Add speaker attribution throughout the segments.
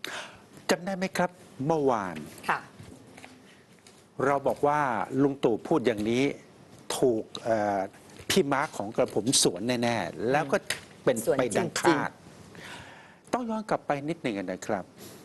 Speaker 1: จำได้ไหมครับเมื่อวาน
Speaker 2: ค่ะ
Speaker 1: เราบอกว่าลุงตู่พูดอย่างนี้ถูกพี่มาร์คของกระผมสวนแน่ๆแล้วก็เป็นไปดังคาดต้องย้อนกลับไปนิดหนึ่งนะครับ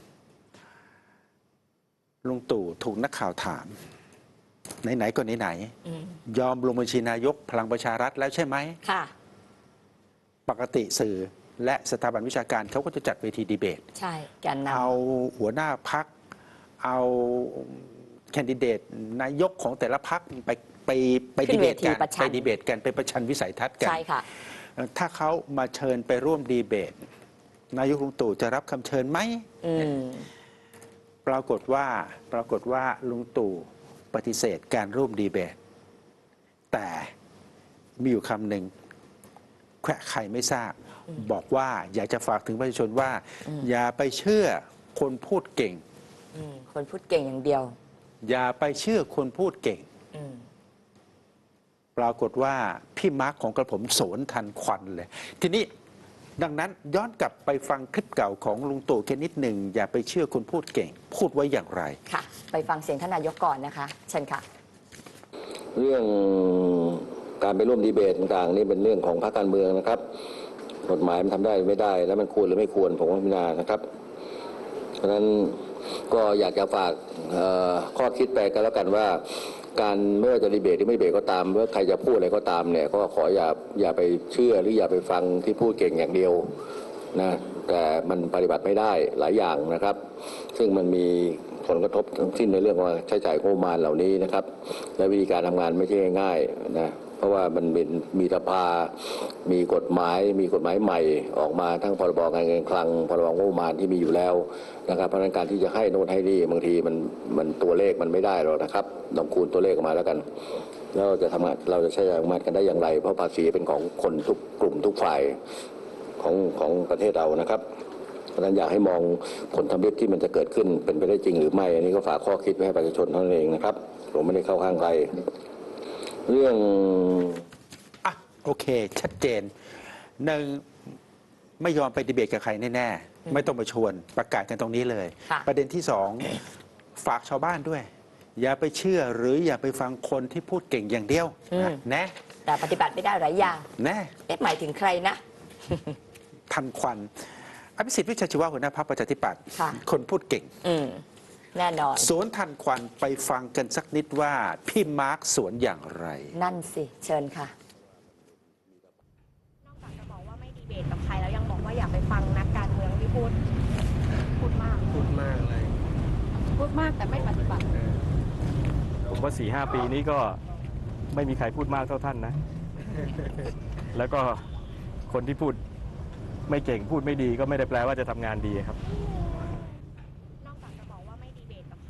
Speaker 1: ลุงตู่ถูกนักข่าวถามไหนๆก็ไหนๆยอมลงบัญชีนายกพลังประชารัฐแล้วใช่ไหม
Speaker 2: ค่ะ
Speaker 1: ปกติสื่อและสถาบันวิชาการเขาก็จะจัดเวทีดีเบต
Speaker 2: ใช่แกนนำ
Speaker 1: เอาหัวหน้าพักเอาแคนดิเดตนายกของแต่ละพักไปดีเบตกันไปประชันวิสัยทัศน์กัน
Speaker 2: ใช่ค่ะ
Speaker 1: ถ้าเขามาเชิญไปร่วมดีเบตนายกลุงตู่จะรับคำเชิญไหมปรากฏว่าลุงตู่ปฏิเสธการร่วมดีเบตแต่มีอยู่คำหนึ่งแค่ใครไม่ทราบบอกว่าอยากจะฝากถึงประชาชนว่าอย่าไปเชื่อคนพูดเก่ง
Speaker 2: คนพูดเก่งอย่างเดียว
Speaker 1: อย่าไปเชื่อคนพูดเก่งปรากฏว่าพี่มาร์คของกระผมโสนทันควันเลยทีนี้ดังนั้นย้อนกลับไปฟังคลิปเก่าของลุงตู่แค่นิดหนึ่งอย่าไปเชื่อคนพูดเก่งพูดไว้อย่างไร
Speaker 2: ค่ะไปฟังเสียงท่านนายกก่อนนะคะเชิญค่ะ
Speaker 3: เรื่องการไปร่วมดีเบตต่างๆนี่เป็นเรื่องของพรรคการเมืองนะครับกฎหมายมันทำได้ไม่ได้แล้วมันควรหรือไม่ควรผมว่าพิจารณานะครับเพราะฉะนั้นก็อยากจะฝากข้อคิดไปกันแล้วกันว่าการไม่ว่าจะดีเบตหรือไม่ดีเบตก็ตามว่าใครจะพูดอะไรก็ตามเนี่ยก็ขออย่าไปเชื่อหรืออย่าไปฟังที่พูดเก่งอย่างเดียวนะแต่มันปฏิบัติไม่ได้หลายอย่างนะครับซึ่งมันมีผลกระทบทั้งสิ้นในเรื่องว่าใช้จ่ายงบประมาณเหล่านี้นะครับและวิธีการทำงานไม่ใช่ง่ายๆนะเพราะว่ามันมีสภามีกฎหมายใหม่ออกมาทั้งพรบการเงินคลังพรบงบประมาณที่มีอยู่แล้วนะครับเพราะฉะนั้นการที่จะให้โน่นให้นี่บางทีมันตัวเลขมันไม่ได้หรอกนะครับต้องคูณตัวเลขออกมาแล้วกันแล้วเราจะใช้จ่ายงบประมาณกันได้อย่างไรเพราะภาษีเป็นของคนทุกกลุ่มทุกฝ่ายของประเทศเรานะครับเพราะฉะนั้นอยากให้มองผลทำเร็จที่มันจะเกิดขึ้นเป็นไปได้จริงหรือไม่อันนี้ก็ฝากข้อคิดไว้ให้ประชาชนเท่านั้นเองนะครับผมไม่ได้เข้าข้างใครเรื่อง
Speaker 1: โอเคชัดเจนหนึ่งไม่ยอมไปดีเบตกับใครแน่ๆไม่ต้องมาชวนประกาศกันตรงนี้เลยประเด็นที่สองฝากชาวบ้านด้วยอย่าไปเชื่อหรืออย่าไปฟังคนที่พูดเก่งอย่างเดียวนะ
Speaker 2: แต่ปฏิบัติไม่ได้หลายอย่าง
Speaker 1: นะ
Speaker 2: หมายถึงใครนะ
Speaker 1: ทันควันอภิสิทธิ์วิชัยชีวะหัวหน้าพรรคประชาธิปัตย์คนพูดเก่ง
Speaker 2: แน่นอน
Speaker 1: สวนทันควันไปฟังกันสักนิดว่าพี่มาร์คสวนอย่างไร
Speaker 2: นั่นสิเชิญค่ะ
Speaker 4: นอกจากจะบอกว่าไม่ดีเบตกับใครแล้วยังบอกว่าอยากไปฟังนักการเมืองที่พูดมาก
Speaker 5: เลย
Speaker 4: พูดมากแต่ไม่ปฏิบัติ
Speaker 5: ผมว่า 4-5 ปีนี้ก็ไม่มีใครพูดมากเท่าท่านนะแล้วก็คนที่พูดไม่เก่งพูดไม่ดีก็ไม่ได้แปลว่าจะทำงานดีครับ
Speaker 4: นอกจากจะบอกว่าไม่ดีเบตกับ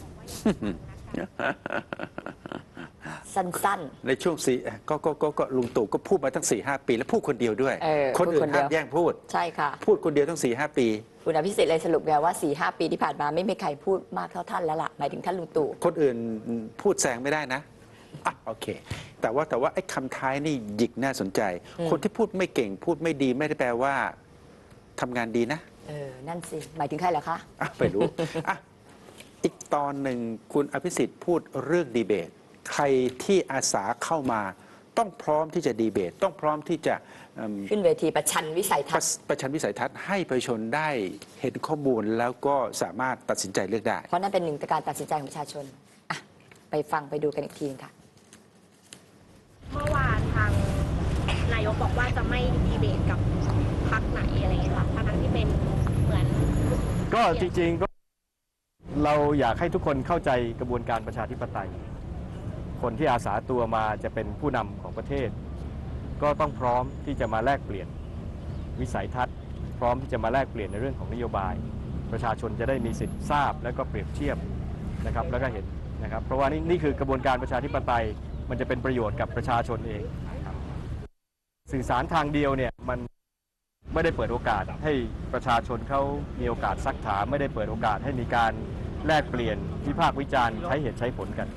Speaker 2: สั้น
Speaker 1: ๆในช่วงก็ลุงตู่ก็พูดมาตั้ง 4-5 ปีแล้วพูดคนเดียวด้วยคนอื่นห้ามแย่งพูด
Speaker 2: ใช่ค่ะ
Speaker 1: พูดคนเดียวตั้ง 4-5 ปี
Speaker 2: คุณอภิสิทธิ์เลยสรุปไงว่า 4-5 ปีที่ผ่านมาไม่มีใครพูดมากเท่าท่านแล้วล่ะหมายถึงท่านลุงตู่
Speaker 1: คนอื่นพูดแซงไม่ได้นะโอเคแต่ว่าไอ้คำท้ายนี่หยิกน่าสนใจคนที่พูดไม่เก่งพูดไม่ดีไม่ได้แปลว่าทำงานดีนะ
Speaker 2: นั่นสิหมายถึงใครเหรอคะ
Speaker 1: ไม่รู้อีกตอนหนึ่งคุณอภิสิทธิ์พูดเรื่องดีเบตใครที่อาสาเข้ามาต้องพร้อมที่จะดีเบตต้องพร้อมที่จะ
Speaker 2: ขึ้นเวทีประชันวิสัยทัศน์
Speaker 1: ให้ประชาชนได้เห็นข้อมูลแล้วก็สามารถตัดสินใจเลือกได้
Speaker 2: เพราะนั่นเป็นหนึ่งการตัดสินใจของประชาชนไปฟังไปดูกันอีกทีนึงค่ะ
Speaker 4: เมื่อวานทางนายกบอกว่าจะไม่ดีเบตกับพรรคไหนอะไรอย่างเงี้ยค่ะทั้งที่เป็นเหมือน
Speaker 5: ก็จริงๆก็เราอยากให้ทุกคนเข้าใจกระบวนการประชาธิปไตยคนที่อาสาตัวมาจะเป็นผู้นำของประเทศก็ต้องพร้อมที่จะมาแลกเปลี่ยนวิสัยทัศน์พร้อมที่จะมาแลกเปลี่ยนในเรื่องของนโยบายประชาชนจะได้มีสิทธิ์ทราบและก็เปรียบเทียบนะครับแล้วก็เห็นนะครับเพราะว่านี่คือกระบวนการประชาธิปไตยมันจะเป็นประโยชน์กับประชาชนเองสื่อสารทางเดียวเนี่ยมันไม่ได้เปิดโอกาสให้ประชาชนเขามีโอกาสซักถามไม่ได้เปิดโอกาสให้มีการแลกเปลี่ยนวิพากษ์วิจารณ์ใช้เหตุใช้ผลกัน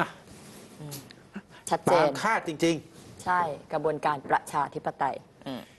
Speaker 2: ชัดเจน
Speaker 1: ตามคาดจริง
Speaker 2: ๆใช่กระบวนการประชาธิปไตย